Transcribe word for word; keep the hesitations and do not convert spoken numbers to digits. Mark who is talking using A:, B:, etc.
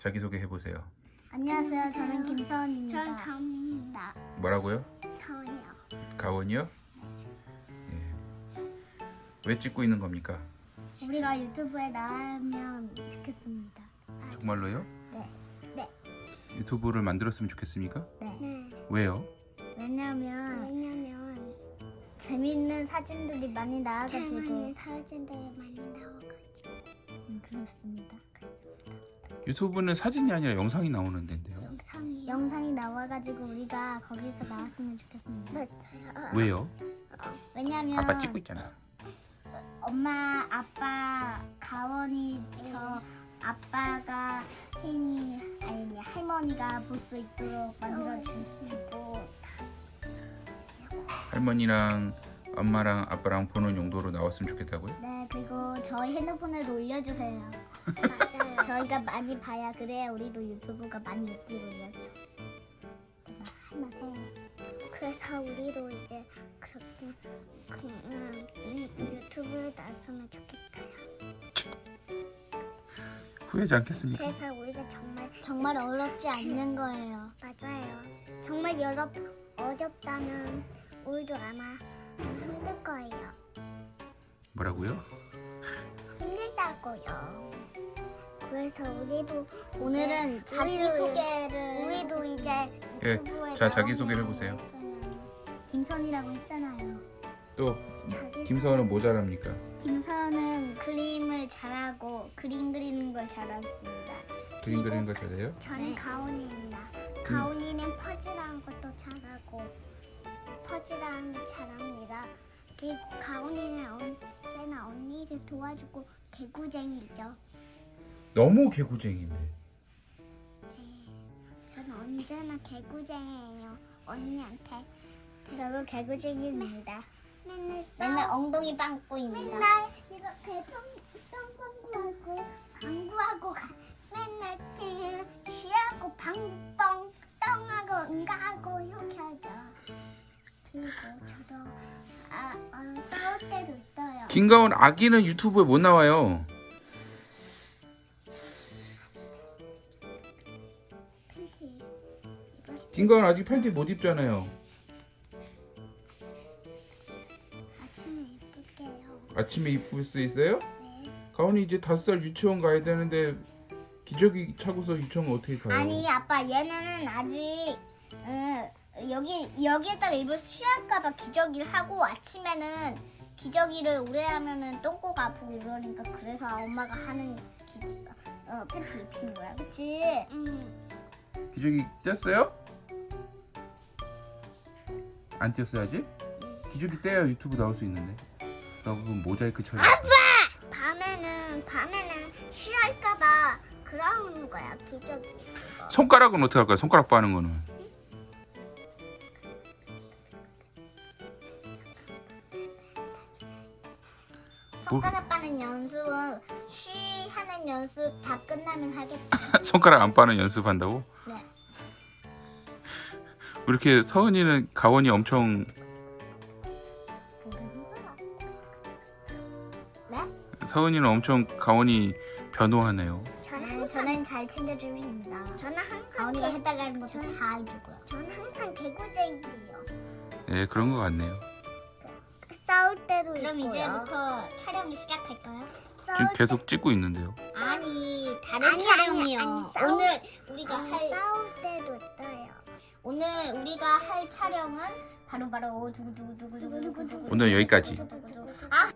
A: 자기소개 해보세요.
B: 안녕하세요. 저는 김서은입니다.
C: 저는 가은입니다.
A: 뭐라고요?
C: 가은이요.
A: 가원이요? 예. 왜 찍고 있는 겁니까?
B: 우리가 유튜브에 나가면 좋겠습니다.
A: 정말로요?
B: 네.
C: 네.
A: 유튜브를 만들었으면 좋겠습니까?
B: 네.
C: 네.
A: 왜요?
B: 왜냐면
C: 왜냐면
B: 재밌는 사진들이 많이 나와가지고
C: 장난이 사진들이 많이 나와가지고
B: 음, 그렇습니다.
A: 유튜브는 사진이 아니라 영상이 나오는 데인데요.
C: 영상이
B: 영상이 나와가지고 우리가 거기서 나왔으면 좋겠습니다.
C: 맞아요.
A: 왜요?
B: 왜냐면
A: 아빠 찍고 있잖아.
B: 엄마, 아빠, 가원이 저 아빠가 혜인이 아니 할머니가 볼 수 있도록 만들어 주시고
A: 할머니랑 엄마랑 아빠랑 보는 용도로 나왔으면 좋겠다고요?
B: 네 그리고 저희 핸드폰에도 올려주세요.
C: 맞아요.
B: 저희가 많이 봐야 그래야 우리도 유튜브가 많이 웃기고 이렇죠. 내가 할만해.
C: 그래서 우리도 이제 그렇게 그, 음, 음, 유튜브에 나왔으면 좋겠어요.
A: 후회하지 않겠습니까?
C: 그래서 우리가 정말
B: 정말 어렵지 않는 거예요.
C: 맞아요. 정말 여러 어렵다면 우리도 아마 힘들 거예요.
A: 뭐라고요?
C: 힘들다고요. 그래서 우리도
B: 오늘은
C: 이제
B: 자기
C: 우리도-
B: 소개를
C: 우리도 이제
A: 예,
C: 유튜브에
A: 자, 자기소개를
C: 나오면
A: 해보세요.
B: 김선이라고 했잖아요.
A: 또
C: 자기
A: 김서은은 뭐 잘합니까?
B: 김선은 그림을 잘하고 그림 그리는 걸 잘했습니다.
A: 그림 그리는 걸 잘해요?
C: 저는
B: 네.
C: 가온이입니다. 가온이는 퍼즐하는 것도 잘하고 퍼즐하는 게 잘합니다. 그리고 가온이는 언제나 언니를 도와주고 개구쟁이죠.
A: 너무 개구쟁이네.
C: 저는 언제나 개구쟁이에요. 언니한테
B: 저도 개구쟁이입니다.
C: 맨날 싸우
B: 맨날 엉덩이 빵꾸입니다.
C: 맨날 이렇게 똥똥구하고 방구하고 가. 맨날 그냥 쉬하고 방구뻥 똥하고 응가하고 이렇게 하죠. 그리고 저도 아, 어, 싸울 때도 있어요.
A: 김가원 아기는 유튜브에 못 나와요.
C: 팬티 입었을
A: 김가원 아직 팬티 못 입잖아요.
C: 아침에 입을게요.
A: 아침에 입을 수 있어요?
C: 네.
A: 가원이 이제 다섯 살 유치원 가야 되는데 기저귀 차고서 유치원 어떻게 가요?
B: 아니 아빠 얘는 아직 음, 여기 여기에다가 입을 쉬할까봐 기저귀를 하고 아침에는 기저귀를 오래 하면은 똥꼬가 아프고 이러니까 그래서 엄마가 하는 기, 어, 팬티 입히는 거야, 그치?
C: 음,
A: 기저귀 뗐어요? 안 뗐어야지? 기저귀 떼야 유튜브 나올 수 있는데. 나 그거 모자이크 처리.
C: 밤에는 밤에는 쉬할까봐 그러는 거야 기저귀 그거.
A: 손가락은 어떻게 할까요? 손가락 빠는 거는.
B: 손가락 빠는 연습은 쉬 하는 연습 다 끝나면 하겠다.
A: 손가락 안 빠는 연습한다고?
B: 네.
A: 이렇게 서은이는 가원이 엄청
B: 모르는 거야. 네?
A: 서은이는 엄청 가원이 변호하네요.
C: 저는
B: 음,
C: 항상
B: 저는 잘 챙겨줍니다.
C: 저는 항상
B: 가온이가
C: 개,
B: 해달라는 것도 다 해주고요.
C: 저는 항상 개구쟁이에요.
A: 네, 그런 것 같네요.
C: 싸울 때도
B: 그럼
C: 있고요.
B: 이제부터 촬영을 시작할까요?
C: 싸울
A: 지금 계속 찍고 있는데요.
B: 아니 다른
C: 아니,
B: 촬영이요.
C: 아니, 아니, 싸우-
B: 오늘 우리가
C: 아니,
B: 할
C: 싸울 때도 있어요.
B: 오늘 우리가 할 촬영은 바로 바로 두구두구두구두구두구
A: 오늘 여기까지.
B: 아